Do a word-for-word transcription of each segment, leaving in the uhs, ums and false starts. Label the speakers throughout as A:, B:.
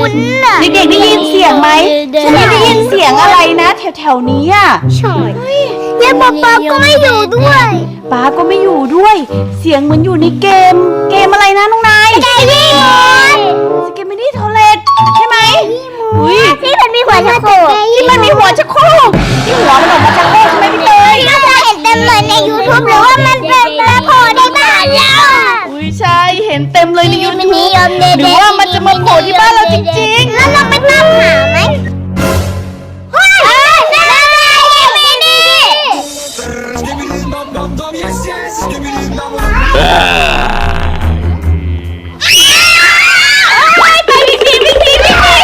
A: คุ้นๆน่ะเด็กๆได้ยินเสียงไหมฉันไม่ได้ยินเสียงอะไรนะแถวๆนี้อ่ะใช่แล้วป๊าป๊าก็ไม่อยู่ด้วยป๊าก็ไม่อยู่ด้วยเสียงเหมือนอยู่ในเกมเกมอะไรนะน้องนายสเกมมี่สเกมมี่โทเลตใช่ไหมอุ้ยที่มันมีหัวชักโครกที่มันมีหัวชักโครกที่หัวมันออกมาชักโครกใช่ไหมพี่เตยก็จะเห็นเต็มเลยใน ยูทูบ หรือว่ามันเป็นปลาโผล่ในบ้านเราอุ้ยใช่เห็นเต็มเลยใน ยูทูบ หรือว่ามันจะมาโผล่ที่บ้านเราจริงๆแล้วเราไปตามหาไหมเฮ้ยไม่ดีไปวิ่งหนีวิ่งหนีวิ่งหนี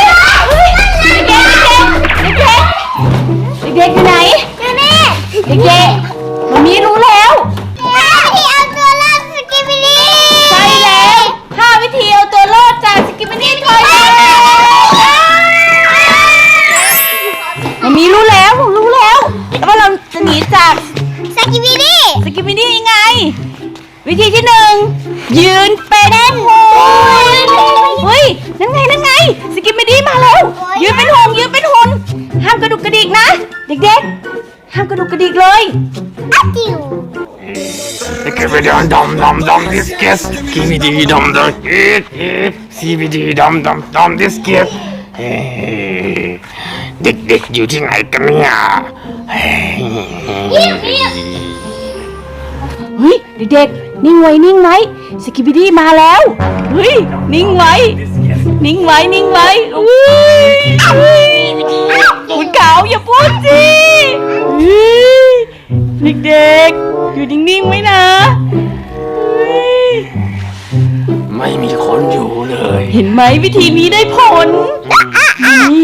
A: เด็กๆเด็กๆเด็กๆอยู่ไหนอยู่นี่เด็กๆมันมีรู้แล้วที่เอาตัวรอดสกิมินี่ใช่แล้วห้าวิธีเอาตัวรอดจากสกิมินี่คอยเลยมันมีรู้แล้วผมรู้แล้วว่าเราจะหนีจากสกิมินี่สกิมินี่ยังไงวิธีที่หนึ่งยืนเป็นหงเฮ้ยนั่นไงนั่นไงสกิมินี่มาแล้วยืนเป็นหงยืนเป็นหงห้ามกระดุกกระดิกนะเด็กๆห้ามกระดุกกระดิกเลยอ้าวจิ๋ว
B: Skibidi dum dum dum this kiss. Skibidi dum dum hit hit. Skibidi dum dum dum this kiss. เด็กๆอยู่ที่ไหนกันเนี่ยเ
A: ฮ้ยเด็กๆนิ่งไว้นิ่งไว้สกิบิดี้มาแล้วเฮ้ยนิ่งไว้นิ่งไว้นิ่งไว้อุ้ยคุณขาวอย่าพูดสิเด็กๆอยู่นิ่งๆไว้นะ
B: ไม่มีคนอยู่เลย
A: เห็นไหมวิธีนี้ได้ผลนี่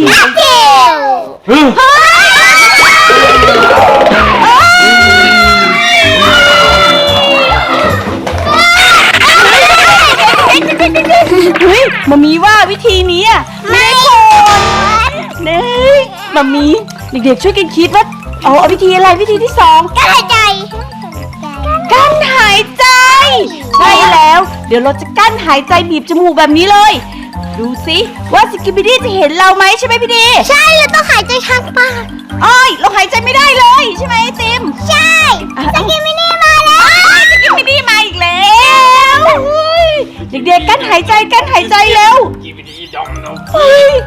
A: เฮ้ยมามีว่าวิธีนี้อ่ะไม่ได้ผลเน่มามีเด็กๆช่วยกันคิดว่าเอาเอาวิธีอะไรวิธีที่สองกั้นหายใจกั้นหายใจใช่แล้วเดี๋ยวเราจะกั้นหายใจบีบจมูกแบบนี้เลยดูสิว่าสกิบิดี้จะเห็นเราไหมใช่ไหมพี่ดีใช่เราต้องหายใจทางปากอ้อยเราหายใจไม่ได้เลยใช่ไหมไอติมใช่สกิบิดี้มาแล้วสกิบิดี้มาอีกแล้วเด็กๆกั้นหายใจกั้นหายใจเร็วเฮ้ย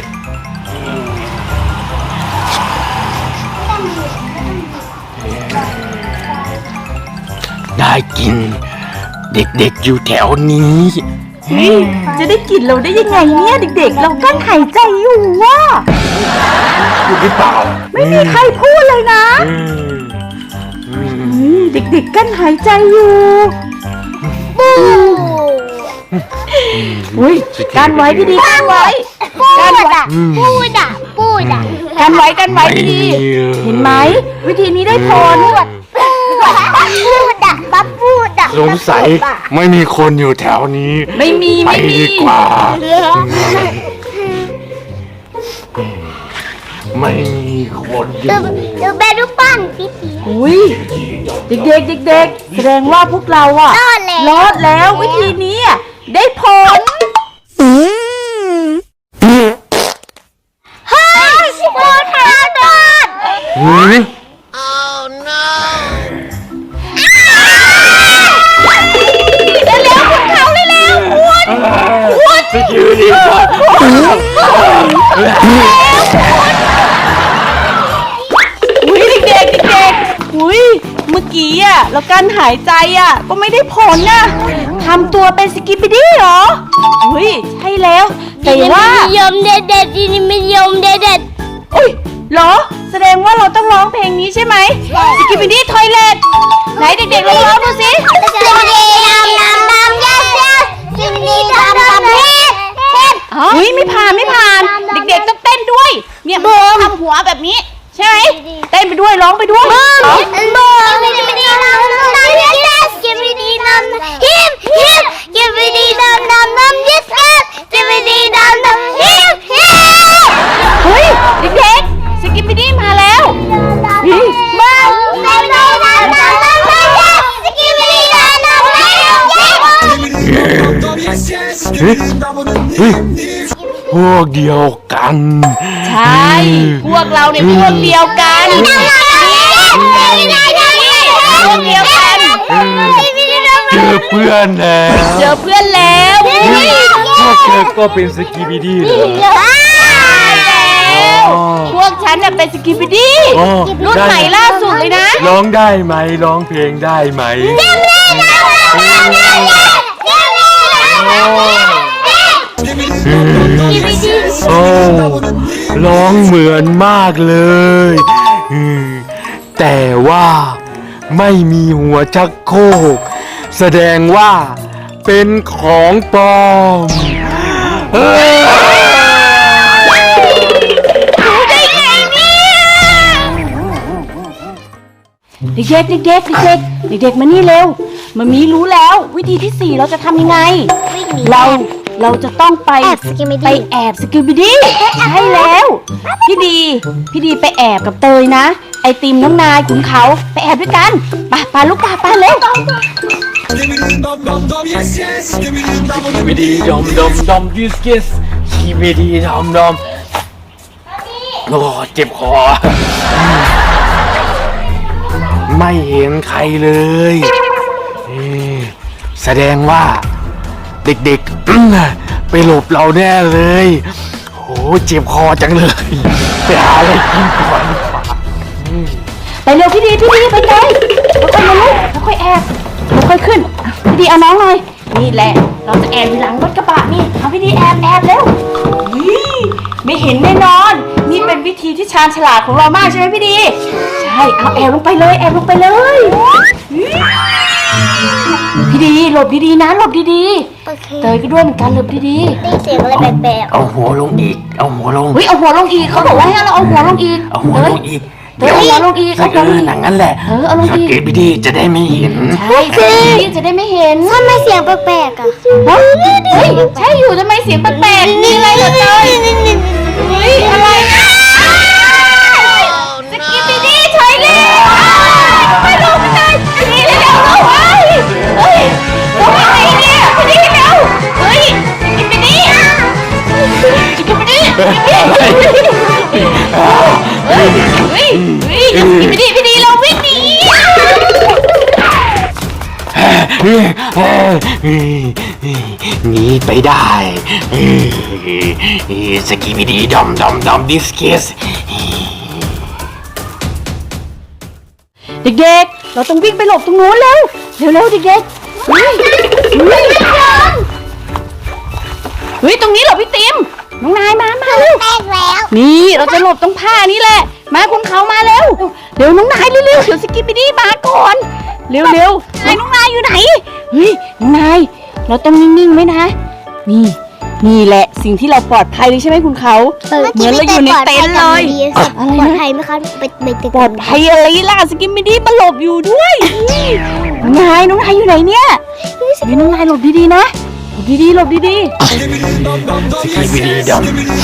B: ได้กินเด็กๆอยู่แถวนี้
A: จะได้กินเราได้ยังไงเนี่ยเด็กๆเรากั้นหายใจอยู่ว่ะ
B: พูดหรือเปล่า
A: ไม่มีใครพูดเลยนะเด็กๆกั้นหายใจอยู่อุ้ยกันไว้พี่ดีกันไว้กันไว้พูดอ่ะพูดอ่ะกันไว้กันไว้พี่ดีเห็นไหมวิธีนี้ได้ผลพูดอ่ะปั๊บพูดอ่ะ
B: สงสัยไม่มีคนอยู่แถวนี้
A: ไม่มี
B: ไปดีกว่าไม่มีคนอยู่
A: ดูแบดูปั้นพี่พีอุ้ยเด็กๆเด็กๆแสดงว่าพวกเราอ่ะรอดแล้ววิธีนี้ได้ผลเฮ้ยรอดรอดรอดเฮ้ยเร็วๆคุณเขาเร็วๆคุณคุณ
B: สกิลดีก่อน
A: อุ้ยเด็กๆเด็กๆอุ้ยเมื่อกี้อ่ะเราการหายใจอ่ะก็ไม่ได้ผลนะทำตัวเป็นสกิปปิดี้เหรออุ้ยใช่แล้วแต่ว่ายมเด็ดเด็ดจีนี่ไม่ยมเด็ดเด็ดอุ้ยเหรอแสดงว่าเราต้องร้องเพลงนี้ใช่ไหมสกิปปิดี้ทอยเลทไหนเด็กๆลองร้องดูสิสกิปปิดี้ดำดำดำยัดยัดสกิปปิดี้ดำดำเฮ็ดเฮ็ดอุ้ยไม่ผ่านไม่ผ่านเด็กๆต้องเต้นด้วยเนี่ยทำหัวแบบนี้ใช่ไหมเต้นไปด้วยร้องไปด้วยบูมบูมกิบดีดำดำดำยัดกิบดีดำฮิมฮิมกิบดีดำดำดำยัดกิบดีดำดำฮิมฮิมเฮ้ยเด็กๆสกิปดี้มาแล้วบูมบูมดำดำดำดำดำยัดสกิปดีดำดำดำยัดเฮ้ยเฮ้ย
B: พวกเดียวกัน
A: ใช่ พวกเราเนี่ยพวกเดียวกันพวกเดียวกัน
B: เจอเพื่อนแล้ว
A: เจอเพื่อนแล้ว
B: พวกเธอก็เป็นสกีบิดี้เหรอ
A: พวกฉันน่ะเป็นสกิปปิดี้
B: อ๋อ
A: รุ่นใหม่ล่าสุดเลยนะ
B: ร้องได้ไหมร้องเพลงได้ไหมโอ้ร้องเหมือนมากเลยอืมแต่ว่าไม่มีหัวชักโครกแสดงว่าเป็นของปลอมเฮ้ย
A: เด็กๆเด็กๆเด็กๆเด็กๆมานี่เร็วมามีรู้แล้ววิธีที่สี่เราจะทำยังไง เราเราจะต้องไป
C: แอบสกิปปิดี้
A: ไปแอบสกิปปิดี้ใช่แล้วพี่ดีพี่ดีไปแอบกับเตยนะ ไอติมน้องนายขุนเขาไปแอบด้วยกันไปไปลูกปาไปเร็ว
B: วิดีดอมดอมดอมดิสกิสชีวิดีดอมดอมโอ้เจ็บคอไม่เห็นใครเลยเอ๊ะแสดงว่าเด็กๆ ไปหลบเราแน่เลยโอ้เจ็บคอจังเลยไปหาอะไรกินก่อน
A: ไปเร็วพี่ดีพี่ดีไปเลยแล้วค่อยมาลูกแล้วค่อยแอบแล้วค่อยขึ้นอ่ะพี่ดีเอาน้องหน่อยนี่แหละเราจะแอบอยู่หลังรถกระบะนี่เอาพี่ดีแอบแอบเร็วนี่ไม่เห็นแน่นอน นี่เป็นวิธีที่ชาญฉลาดของเรามากใช่ไหมพี่ดีใช่เอาแอบลงไปเลยแอบลงไปเลยพี่ดีหลบดีๆนะหลบดี
C: โอเค
A: ๆเตยก็ด้วยเหมือนกันหลบดี
C: ได้ยินเสียงอะไรแปลก
B: เอาหัวลงอีกเอาหัวลง
A: ๆเฮ้ยเอาหัวลงอีกเขาบอกว่าให้เราเอาหัวลงอีก
B: เอาหัวลงอีก
A: เตยเอาหัวลงอีก
B: สั
A: เอา
B: ก
A: หัวล
B: เอง อ
A: อีก
B: หนังนั้นแหละ
A: เออเอาลงอีก
B: สเก็ตบิดี้จะได้ไม่เห็น
A: ใช่สิจะได้ไม่เห็น
C: ๆทำไมเสียงแปลกๆอ่ะ
A: เฮ้ยเฮ้ยใช่อยู่ทำไมเสียงแปลกๆนี่อะไรเหรอเตยเฮ้ยอะไรนะสกิปปี้ดี้เฉยเลยไปดูกันเลยนี่เร็วๆเฮ้ยเฮ้ยทำอะไรเนี่ยพี่ดี้เร็วเฮ้ยสกิปปี้ดี้สกิปปี้ดี้เฮ้ยเฮ้ยเฮ้ยสกิปปี้ดี้พี่ดี้เราวิ่งหนี
B: หนีไปได้สกีบิดีดอมดอมดอมดิสกิส
A: เด็กๆเราต้องวิ่งไปหลบตรงนู้นเร็วเร็วๆเด็กๆเฮ้ยเฮ้ยเฮ้ยตรงนี้เหรอพี่ติ๋มน้องนายมามาเร็ว
C: แปลกแล้ว
A: นี่เราจะหลบตรงผ้านี่แหละมาคุณเขามาเร็วเดี๋ยวน้องนายเร็วๆเดี๋ยวสกิปปี้ดี้มาก่อนเร็วๆนายน้องนายอยู่ไหนเฮ้ยน้องนายเราต้องนิ่งๆไว้นะนี่นี่แหละสิ่งที่เราปลอดภัยเลยใช่ไหมคุณเขาเหมือนเราอยู่ในเต็นท์เลย
C: ปลอดภัยไหมคะไปไปตึก
A: ปลอดภัยอะไรล่ะสกิมมิดี้มาหลบอยู่ด้วยน้องนายน้องนายอยู่ไหนเนี่ยนี่น้องนายหลบดีๆนะหลบดีๆหลบดี
B: สกีบิดีดอม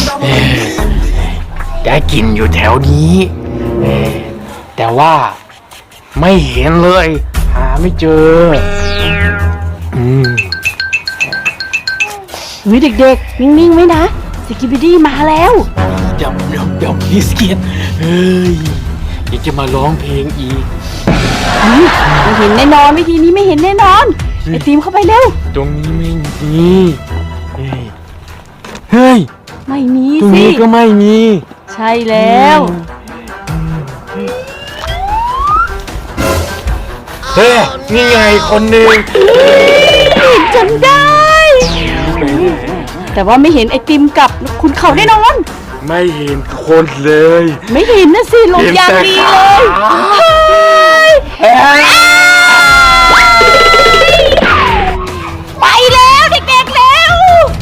B: ได้กลินอยู่แถวนี้เอ่อแต่ว่าไม่เห็นเลย หาไม่เจออืม
A: ๆเฮ้ยเด็กๆนิ่งๆไว้นะสกิมมิดี้มาแล้ว
B: ดอมดอมดอมดิสกิสเฮ้ยอยากจะมาร้องเพลงอีก
A: เฮ้ยไม่เห็นแน่นอนวิธีนี้ไม่เห็นแน่นอนไอตีมเข้าไปเร็ว
B: ตรงนี้ไม่มีเฮ้ยเฮ้ย
A: ไม่มี
B: ตรง
A: สิ
B: นี้ก็ไม่มี
A: ใช่แล้ว
B: เฮ้ยนี่ไงคนหนึ่ง
A: จนได้ แต่ว่าไม่เห็นไอติมกับคุณเขาแน่นอน
B: ไม่เห็นคนเลย
A: ไม่เห็นนะสิหลบอย่างดีเลยเฮ้ยไปแล้วเด็กๆแล้ว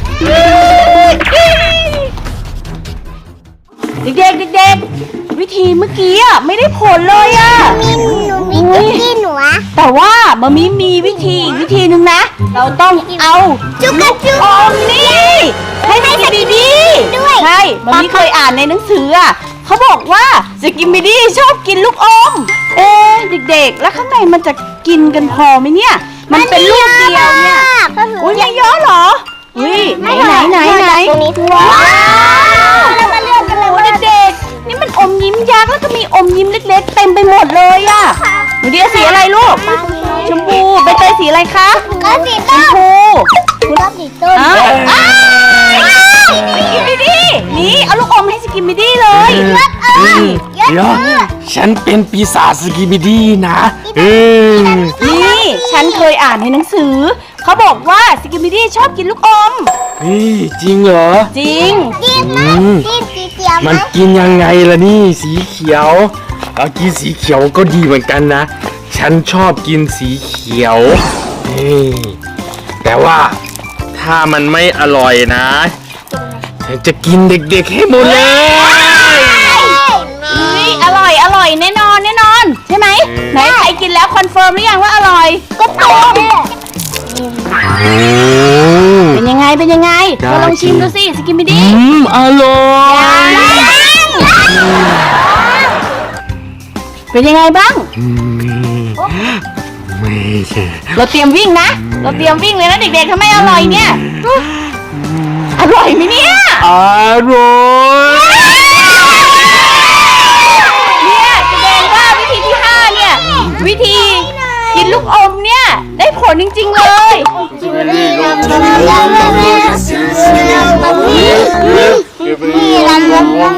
A: เด็กๆเด็กๆวิธีเมื่อกี้อ่ะไม่ได้ผลเลยอ่ะ
C: มีหนูมีคุกกี้หนูอะ
A: แต่ว่ามามีมีวิธีอีกวิธีหนึ่งนะ เราต้องเอา
C: จุกกระจุก
A: อมนี่ให้สกิมมิดี้
C: ด้วย
A: ใช่มามีเคยอ่านในหนังสืออ่ะเขาบอกว่าสกิมมิดี้ชอบกินลูกอม เอ๊ะเด็กๆ แล้วข้างในมันจะกินกันพอไหมเนี่ย มันเป็นลูกเดียวเนี่ย อุ้ยไม่เยอะเหรออุ้ยไหนไหนไหนไหน
C: รงนี้ว้าวแล้วมาเลือกกันเลย
A: โอ้
C: ว่า
A: เด็กๆนี่มันอมยิ้มยักษ์แล้วก็มีอมยิ้มเล็กๆเต็มไปหมดเลยอะหนูเดียสีอะไรลูกชมพูใบเตยสีอะไรคะ
C: ก็สี
A: ช
C: ต้
A: ม
C: น
A: พู
C: คุณรอบสีต้น
A: อ้าวอ้าวสกิมมิดี้นี่เอาลูกอมให้สกิมมิดี้เลย
B: เดี๋ยวฉันเป็นปีศาจสกิบิดี้นะเออ
A: นี่ฉันเคยอ่านในหนังสือเขาบอกว่าสกิมมิดี้ชอบกินลูกอม
B: นี่จริงเหรอ
A: จริง
C: จิ้มไหม
B: อืม
C: จิ้มสีเขียวไหม
B: มันกินยังไงล่ะนี่สีเขียวเอากินสีเขียวก็ดีเหมือนกันนะ ฉันชอบกินสีเขียวนี่แต่ว่าถ้ามันไม่อร่อยนะ ฉันจะกินเด็กๆให้หมดเลย
A: อุ้ยอร่อยอร่อยแน่นอนแน่นอน ใช่ไหมไหนใครกินแล้วคอนเฟิร์มหรือยังว่าอร่อย
C: ก็ต้ม
B: โอ้
A: เป็นยังไงเป็นยังไง
B: ได้
A: เราลองชิมดูสิสกิมมิ
B: อื
A: ดี้
B: มอร่อย
A: เป็นยังไงบ้าง
B: อืมไม่ใช่
A: เราเตรียมวิ่งนะ เราเตรียมวิ่งเลยนะเด็กๆถ้าไม่อร่อยเนี่ยอร่อยไหมเนี่ย
B: อร่อย
A: เนี่ยแสดงว่าวิธีที่ห้าเนี่ย วิธีกินลูกอมเนี่ยได้ผลจริงๆเลย
C: นี่เราลงลง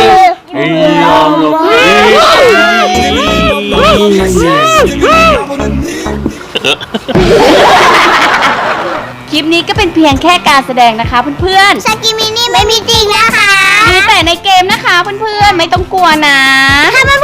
A: คลิปนี้ก็เป็นเพียงแค่การแสดงนะคะเพื่อน
C: สกิมินี่ไม่มีจริงนะคะ
A: ๆมีแต่ในเกมนะคะเพื่อนๆไม่ต้องกลัวนะ
C: ถ้าเพื่